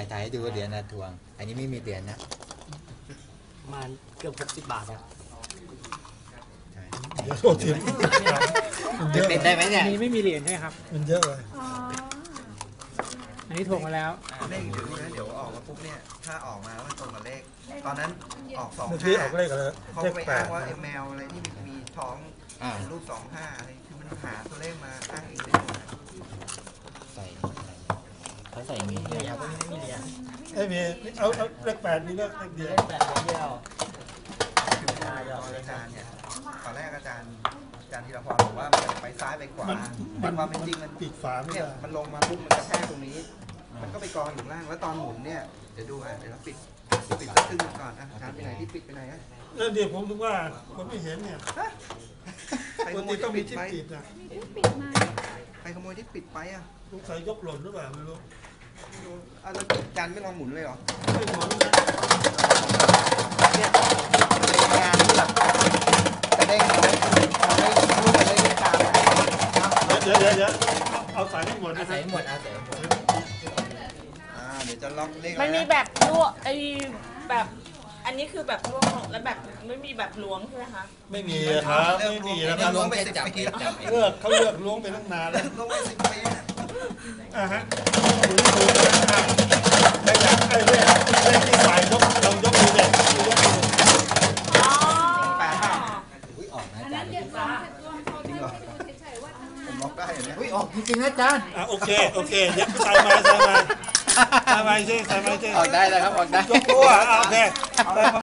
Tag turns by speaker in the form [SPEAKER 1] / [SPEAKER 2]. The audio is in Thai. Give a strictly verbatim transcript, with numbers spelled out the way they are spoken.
[SPEAKER 1] ายถ่ายให้ดูเหรียญนะทวงอันนี้ไม่มีเหรียญนะ
[SPEAKER 2] ประมาณเกือบหกสิบบาทครับ
[SPEAKER 3] เดี๋ยวโทษที
[SPEAKER 1] จะเป็นได้ไหมเนี่ย
[SPEAKER 4] อันนี้ไม่มีเหรียญใช่ครับ
[SPEAKER 3] มันเยอะเลย
[SPEAKER 4] อันนี้ถ่วงมาแล้ว
[SPEAKER 5] เลขอยู่นี่นะเดี๋ยวออกมาปุ๊บเนี่ยถ้าออกมาว่าตรงกับเลขตอนนั้นออกสอง
[SPEAKER 3] เมื่อกี้
[SPEAKER 5] ห้า
[SPEAKER 3] ออกเลขอะไร
[SPEAKER 5] เขา
[SPEAKER 3] เลข
[SPEAKER 5] ไป
[SPEAKER 3] แป
[SPEAKER 5] อ้า
[SPEAKER 3] ด
[SPEAKER 5] งว่าไอ้แมวอะไรที่มีท้องเป็นรูปสองห้าอะไรคือมันหาตัวเลขมาอ้างเองได้หมด
[SPEAKER 1] ใส่เขาใส่อย่างนี้
[SPEAKER 2] ครับไม่มีเหรียญ
[SPEAKER 3] ไอ้มีเอาเอาเลขแปดมีเลขเดียว
[SPEAKER 2] เลขแปดเดียว
[SPEAKER 5] อาจารย์เนี่ยตอนแรกอาจารย์อาจารย์ธีรพรบอกว่ามันไปซ้ายไปขวาแต่ความเป็นจริงมัน
[SPEAKER 3] ปิดฝาไม่
[SPEAKER 5] เนี่ย
[SPEAKER 3] ได้
[SPEAKER 5] มันลงมาปุ๊บมันกระแทกตรงนี้ มันก็ไปกองอยู่ล่างแล้วตอนหมุนเนี่ยเดี๋ยวดูอ่ะเดี๋ยวเราปิดปิดสักครึ่งก่อนอ่ะอาจารย์ไปไหนที่ปิดไปไหนอ่ะ
[SPEAKER 3] แล้วเดี๋ยวผมถึงว่าผมไม่เห็นเนี่ยปกติต้องมีที่ปิดนะ
[SPEAKER 5] ใครขโมยที่ปิดไปอ่ะ
[SPEAKER 3] สงสัยยกหล่นหรือเปล่าไม่รู้
[SPEAKER 5] อ่ะแล้วอาจารย์ไม่ลองหมุนเลยเหรอ
[SPEAKER 3] ไม่หมุนนะ
[SPEAKER 5] เนี่ยงานที่แบบกระเด้งมาแล้วมันไม่รู้มันไม่ได้ตาม
[SPEAKER 3] เดี๋ยวเดี๋ยวเดี๋ยวเอาใส่ให้หมดนะ
[SPEAKER 1] ใส่หมดเอาใส่หมด
[SPEAKER 5] อ่าเดี๋ยวจะล็อกเลข
[SPEAKER 6] มันมีแบบลวกไอ้แบบอันนี้คือแบบลวกแล้วแบบไม่มีแบบล้วงใช่ไหมคะ
[SPEAKER 3] ไม่มีครับไม่มีนะครับ
[SPEAKER 5] ล้วงไปสิบปีแล้ว
[SPEAKER 3] เลือกเขาเลือกล้วงไปตั้งนานแล้ว
[SPEAKER 5] ล้วงไปสิบปี
[SPEAKER 3] อ่าฮะถูกถูกนะไอ้อย่างไอ้เลขเลขที่ใส่ยกเรายกมือเด็กยกมือ
[SPEAKER 5] แปดห้า
[SPEAKER 1] อุ้ยออกนะอาจารย์
[SPEAKER 5] จริงเหรอผมล็อกได้เนี่ย
[SPEAKER 1] อุ้ยออกจริงๆนะอาจารย์
[SPEAKER 3] อ่ะโอเคโอเคเดี๋ยวใส่มาใส่มาใส่มาใช่ใส่มาใช่
[SPEAKER 1] ออกได้แล้วครับออกได้
[SPEAKER 3] ยกตัวโอเค